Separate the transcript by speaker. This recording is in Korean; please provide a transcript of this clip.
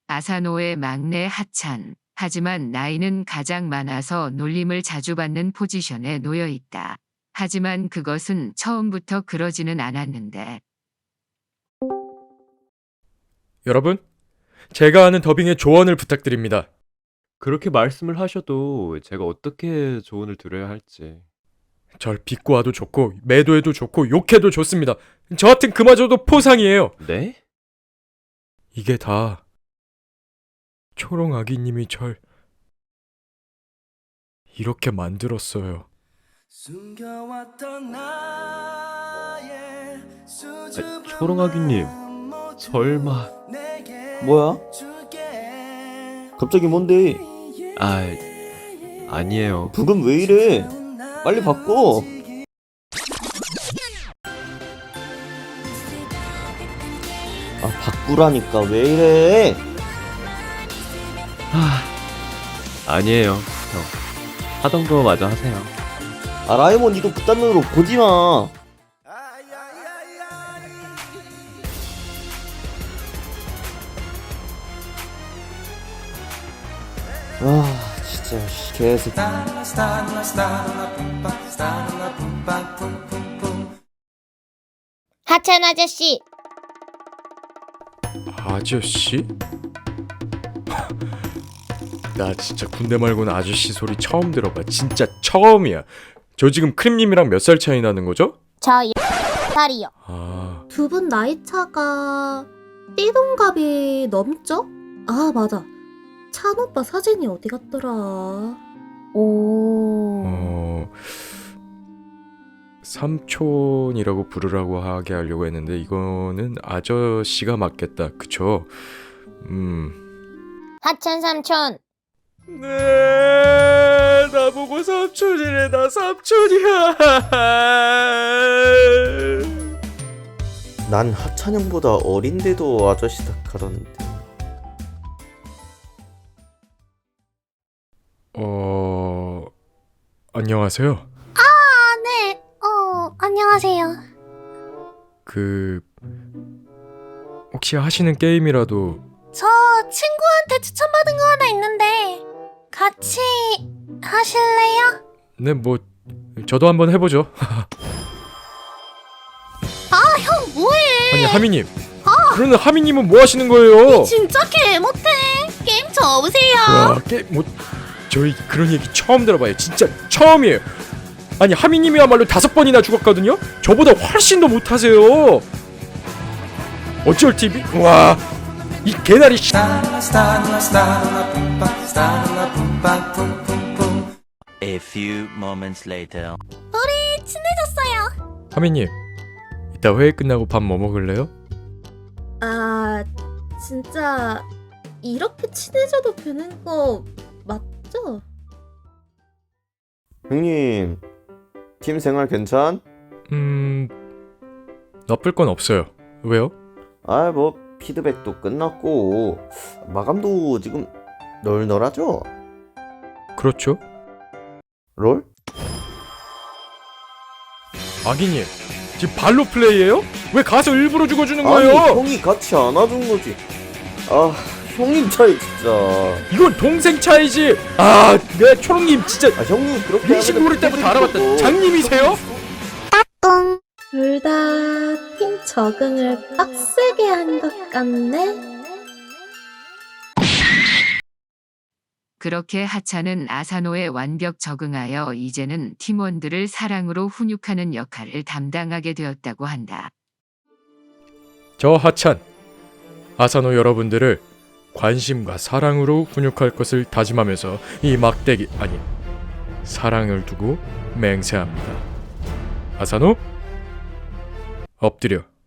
Speaker 1: 아사노의 막내 하찬. 하지만 나이는 가장 많아서 놀림을 자주 받는 포지션에 놓여 있다. 하지만 그것은 처음부터 그러지는 않았는데.
Speaker 2: 여러분, 제가 아는 더빙의 조언을 부탁드립니다.
Speaker 3: 그렇게 말씀을 하셔도 제가 어떻게 조언을 드려야 할지.
Speaker 2: 절 비꼬아도 좋고 매도해도 좋고 욕해도 좋습니다. 저 같은 그마저도 포상이에요.
Speaker 3: 네?
Speaker 2: 이게 다 초롱아기님이 절 이렇게 만들었어요.
Speaker 3: 초롱아기님, 설마...
Speaker 4: 뭐야? 갑자기 뭔데?
Speaker 3: 아니에요.
Speaker 4: 북은 왜 이래? 빨리 바꿔. 아, 바꾸라니까 왜 이래?
Speaker 3: 아니에요, 형. 하던 거 마저 하세요.
Speaker 4: 아, 라이몬 니도 그딴 눈으로 보지 마. 아, 진짜 개새끼.
Speaker 5: 하찬 아저씨,
Speaker 2: 아저씨? 나 진짜 군대 말고는 아저씨 소리 처음 들어봐. 진짜 처음이야. 저 지금 크림님이랑 몇 살 차이 나는 거죠?
Speaker 5: 저 10살이요.
Speaker 2: 아,
Speaker 6: 두 분 나이 차가 띠동갑이 넘죠? 아, 맞아. 찬 오빠 사진이 어디 갔더라? 오.
Speaker 2: 삼촌이라고 부르라고 하게 하려고 했는데 이거는 아저씨가 맞겠다. 그쵸?
Speaker 5: 하찬 삼촌,
Speaker 2: 네, 나보고 삼촌이래. 나 삼촌이야.
Speaker 4: 난 하찬형보다 어린데도 아저씨 닭하던데.
Speaker 2: 안녕하세요.
Speaker 5: 네, 안녕하세요.
Speaker 2: 혹시 하시는 게임이라도.
Speaker 5: 저 친구한테 추천받은 거 하나 있는데 같이 하실래요?
Speaker 2: 네, 뭐 저도 한번 해보죠.
Speaker 5: 형 뭐해?
Speaker 2: 아니, 하미님. 그러는 하미님은 뭐 하시는 거예요?
Speaker 5: 진짜 개 못해. 게임 접으세요.
Speaker 2: 와, 저희 그런 얘기 처음 들어봐요. 진짜 처음이에요. 아니, 하미님이야말로 5번이나 죽었거든요. 저보다 훨씬 더 못하세요. 어쩔 TV? 와, 이 개나리 씨.
Speaker 7: A few moments later.
Speaker 5: 우리 친해졌어요.
Speaker 2: 하미님, 이따 회의 끝나고 밥 뭐 먹을래요?
Speaker 6: 아, 진짜 이렇게 친해져도 되는 거 맞죠?
Speaker 4: 형님, 팀 생활 괜찮?
Speaker 2: 나쁠 건 없어요. 왜요?
Speaker 4: 아, 뭐 피드백도 끝났고 마감도 지금 널널하죠?
Speaker 2: 그렇죠.
Speaker 4: 롤?
Speaker 2: 아기님, 지금 발로 플레이해요? 왜 가서 일부러 죽어주는
Speaker 4: 아니,
Speaker 2: 거예요?
Speaker 4: 형이 같이 안아준 거지. 아, 형님 차이 진짜.
Speaker 2: 이건 동생 차이지. 아, 내 초롱님 진짜
Speaker 4: 아, 형님 그렇게
Speaker 2: 민식
Speaker 4: 하면
Speaker 2: 모를 때부터
Speaker 4: 피드백도
Speaker 2: 알아봤다. 장님이세요?
Speaker 6: 둘 다 팀 적응을 빡세게 한 것 같네?
Speaker 1: 그렇게 하찬은 아사노에 완벽 적응하여 이제는 팀원들을 사랑으로 훈육하는 역할을 담당하게 되었다고 한다.
Speaker 2: 저 하찬, 아사노 여러분들을 관심과 사랑으로 훈육할 것을 다짐하면서 이 막대기, 아니, 사랑을 두고 맹세합니다. 아사노, 엎드려.